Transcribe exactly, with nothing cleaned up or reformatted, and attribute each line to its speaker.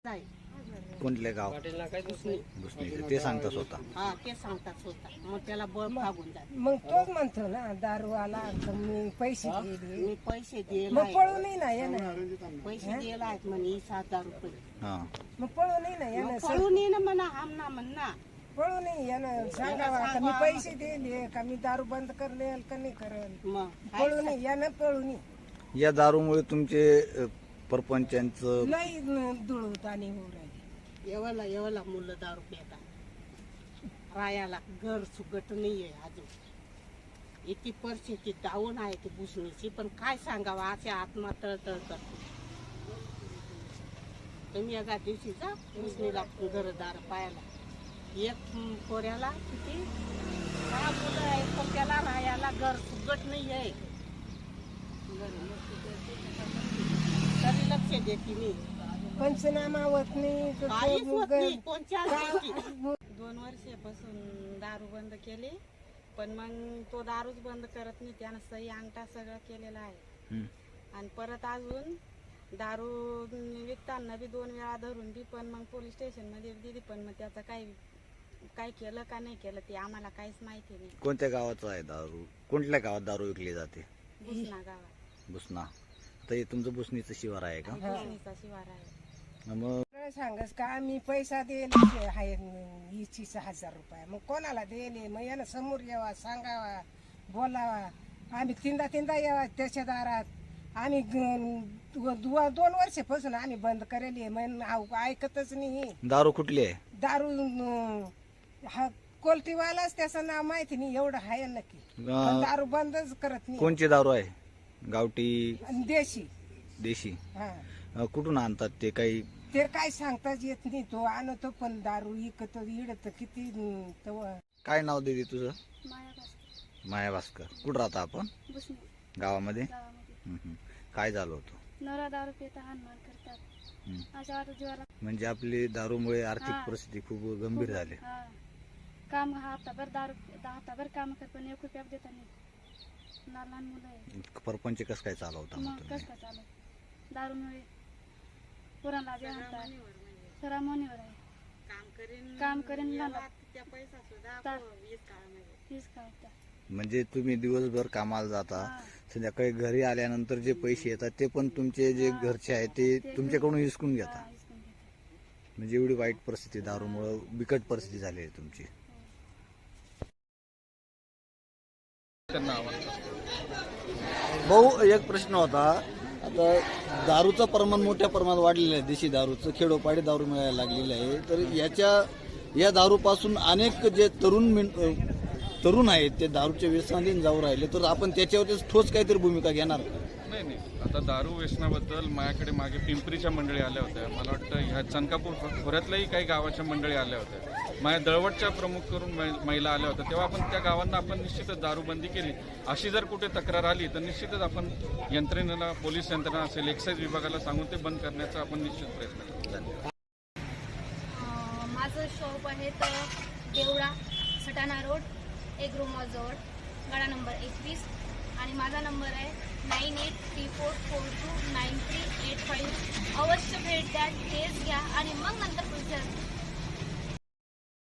Speaker 1: कोणले गाव भुसणी ते सांगता स्वतः
Speaker 2: हा ते सांगतात स्वतः मग त्याला बळ भागून जात
Speaker 3: मग तोच म्हणतो ना दारू आला तर मी पैसे दिले
Speaker 2: मी पैसे दिले
Speaker 3: मग पळू नाही ना ये ना
Speaker 2: पैसे दिले आहेत म्हणे सात हजार रुपये
Speaker 1: हा
Speaker 3: मग पळू नाही ना ये ना
Speaker 2: पळून ये ना म्हणा आम ना म्हण ना
Speaker 3: पळू नाही ये ना सांगावा का मी पैसे दिले का मी दारू बंद करेल का नाही करेल
Speaker 2: मग
Speaker 3: पळू नाही या ना पळू नाही
Speaker 1: या दारूमुळे तुमचे अ, परपंचांचं
Speaker 3: लई दुळवत आणि होऊ राहिली
Speaker 2: एवढा एवढा मुलं दारू पितात रायाला घर सुगट नाहीये अजून इतकी परिस्थिती डाऊन आहे ती भुसणीची पण काय सांगावं असे आत्मा तळतळ करते तुम्ही एका दिवशी जा भुसणीला घरदार पायाला एक पोऱ्याला किती सहा मुलं आहे पण त्याला रायाला घर सुगट नाही आहे तरी लक्ष देते मी
Speaker 3: पंचनामा होत नाही तर
Speaker 2: काहीच
Speaker 3: तो
Speaker 2: होत
Speaker 3: मग-
Speaker 2: नाही कोणत्या गोष्टी.
Speaker 4: दोन वर्षापासून दारू बंद केली पण मग तो दारूच बंद करत नाही त्यानं सही अंगठा सगळं केलेला आहे
Speaker 1: हं.
Speaker 4: आणि परत अजून दारू विकताना बी दोन वेळा धरून बी पण मग पोलीस स्टेशन मध्ये दिली पण मग त्याचं काही काय केलं का नाही केलं ते आम्हाला काहीच माहिती नाही.
Speaker 1: कोणत्या गावाचं आहे दारू कोणत्या गावात दारू विकली जाते
Speaker 4: भुसना गावात
Speaker 1: भुसना आता हे तुमचं भुसणीचं शिवार आहे का
Speaker 4: भुसणीचा शिवार आहे.
Speaker 1: मग
Speaker 3: काय सांगस का आम्ही पैसा दिले आहे वीस हजार रुपये मग कोणाला दिले मग यानं समोर यावा सांगावा बोलावा आम्ही तीनदा तीनदा यावा त्याच्या दारात आम्ही ग- दु- दोन वर्षापासून आम्ही बंद करेली मग आव- ऐकतच नाही
Speaker 1: दारू कुठली आहे
Speaker 3: दारू न- हा कोलटीवालाच त्याचं नाव माहिती नाही एवढं आहे नक्की पण
Speaker 1: अं,
Speaker 3: दारू बंदच करत नाही
Speaker 1: कोणची दारू आहे गावठी
Speaker 3: आणि देशी
Speaker 1: देशी
Speaker 3: हा
Speaker 1: अं, कुठून आणतात ते काही
Speaker 3: ते काय सांगताच येत नाही तो आणतो पण दारू इकतो इडत किती न- तव-
Speaker 1: काय नाव दिली तुझं
Speaker 4: माया भास्कर,
Speaker 1: माया भास्कर कुठं राहता आपण
Speaker 4: भुसणी
Speaker 1: गावामध्ये
Speaker 4: गावामध्ये
Speaker 1: हं, हं. काय झालं होतं
Speaker 4: नवरा दारू पिता हानमार करतात
Speaker 1: हं.
Speaker 4: अशा वाटत जीवाला
Speaker 1: म्हणजे आपली दारूमुळे आर्थिक
Speaker 4: हा.
Speaker 1: परिस्थिती खूप गंभीर झाली
Speaker 4: हा. काम हप्ताभर दारू हप्ताभर काम कर पण एक रुपया देता नाही लहान लहान मुलं आहे
Speaker 1: परपंच कसं काय चालवता मग
Speaker 4: मग
Speaker 1: तुम्ही
Speaker 4: कसं काय चालू दारूमुळे पुराणला जे म्हणतात सरा मनीवर आहे
Speaker 2: काम करीन
Speaker 4: काम करीन
Speaker 2: याला
Speaker 4: मला.
Speaker 2: त्या पैसा सुद्धा
Speaker 4: ता-
Speaker 2: वीस काळामध्ये
Speaker 4: तीच काय त्या.
Speaker 1: म्हणजे तुम्ही दिवसभर कामाला जाता
Speaker 4: हा.
Speaker 1: संध्याकाळी घरी आल्यानंतर जे पैसे येतात ते पण तुमचे जे
Speaker 4: हा.
Speaker 1: घरचे आहेत ते
Speaker 4: ते
Speaker 1: तुमच्याकडून हिसकून
Speaker 4: हा,
Speaker 1: घेता
Speaker 4: हिसकून घेतात.
Speaker 1: म्हणजे एवढी वाईट परिस्थिती दारूमुळे बिकट परिस्थिती झाली आहे तुमची भाऊ एक प्रश्न होता आता दारूचं प्रमाण मोठ्या प्रमाणात वाढलेलं आहे देशी दारूचं खेडोपाडी दारू मिळायला लागलेलं आहे तर याच्या या दारूपासून अनेक जे तरुण मिन- तरुण आहेत ते दारूच्या व्यसनाधीन जाऊ राहिले तर आपण त्याच्यावरती ठोस काहीतरी भूमिका घेणार
Speaker 5: नाही नाही आता दारू व्यसनाबद्दल माझ्याकडे मागे पिंपरीच्या मंडळी आल्या होत्या मला वाटतं ह्या चनकापूर खोऱ्यातल्याही काही गावाच्या मंडळी आल्या होत्या माझ्या दळवटच्या प्रमुख करून मै- महिला आल्या होत्या तेव्हा आपण त्या गावांना आपण निश्चितच दारूबंदी केली अशी जर कुठे तक्रार आली तर निश्चितच आपण यंत्रणेला पोलीस यंत्रणा असेल एक्साईज विभागाला सांगून ते बंद करण्याचा आपण निश्चित प्रयत्न करू.
Speaker 6: अं, माझं शॉप आहे तर देवळा सटाणा रोड एक रूमजवळ गाडा नंबर एकवीस आणि माझा नंबर आहे nine eight three four four two nine three eight five अवश्य भेट द्या टेस्ट घ्या आणि मग नंतर पुढच्या